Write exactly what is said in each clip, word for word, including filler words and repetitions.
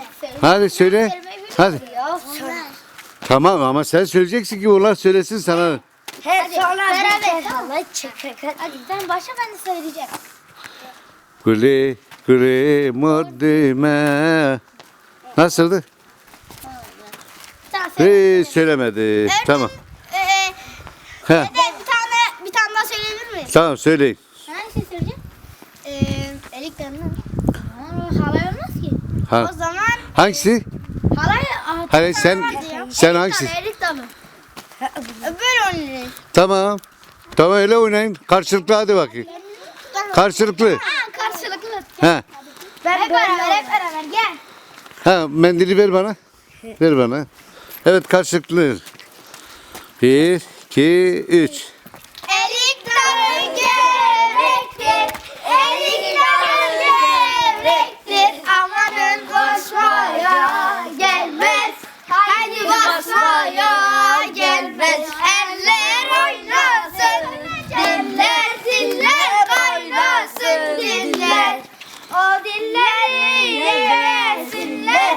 Hadi söyle. Hadi. Tamam ama sen söyleyeceksin ki onlar söylesin sana. He sonra beraber. bir hala çıkacak. Hadi sen başla ben de söyleyeceğim. Güle güle muddime. Nasıldı? Sen söyle. Hiç söylemedi. Tamam. Ee, He. bir tane bir tane daha söyleyebilir miyim? Tamam söyleyin. Hangi şey söyleyeceğim? Ee, elikten mi? Aa, halay olmaz ki. Ha. O zaman Hangisi? halay Hani sen sen hangisi? elik tabi. Böyle oynayın. Tamam. Tamam öyle oynayın. Karşılıklı hadi bakayım. Karşılıklı. Ha, karşılıklı. Ha. Ben hep beraber hep beraber gel. Ha mendili ver bana. Ver bana. Evet karşılıklı. Bir, iki, üç. Elik dalı gevrektir, elik dalı gevrektir. Amanın koşmaya gelmez, haydi basmaya gelmez. Eller oynasın, diller diller oynasın diller. O dilleri yesinler.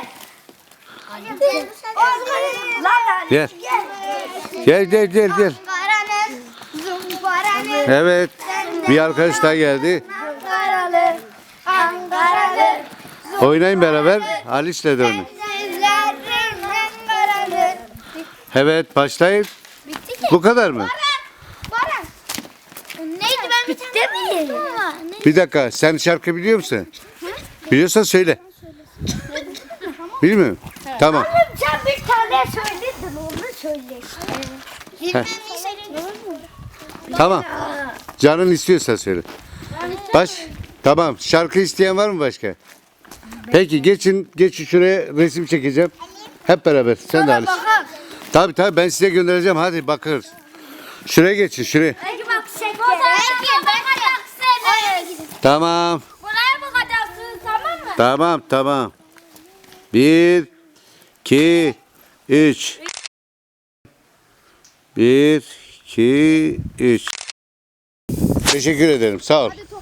Gel. Gel gel gel gel. Ankara'nın, Zumbara'nın, Evet. Bir arkadaş daha geldi. Ankaralı, Ankaralı. Oynayın beraber. Alice'le de oynayın. Sizlerin Ankaralı. Evet başlayın. Bitti ki. Bu kadar mı? Baran. Neydi ben bir tane mi? Bir dakika. Sen şarkı biliyor musun? Biliyorsan söyle. Bilmiyor musun? Tamam. Sen bir tane söyledin onu söyle. Bilmem Tamam. Canın istiyorsa söyle. Baş. Tamam. Şarkı isteyen var mı başka? Peki geçin. Geçin şuraya resim çekeceğim. Hep beraber. Sen de Alice. Tabii tabii ben size göndereceğim. Hadi bakırız. Şuraya geçin. Şuraya. Peki bak sen Belki bakacaksın. Tamam. Buraya bakacaksın tamam mı? Tamam tamam. Bir, iki, üç. Bir, iki, üç. Teşekkür ederim. Sağ ol.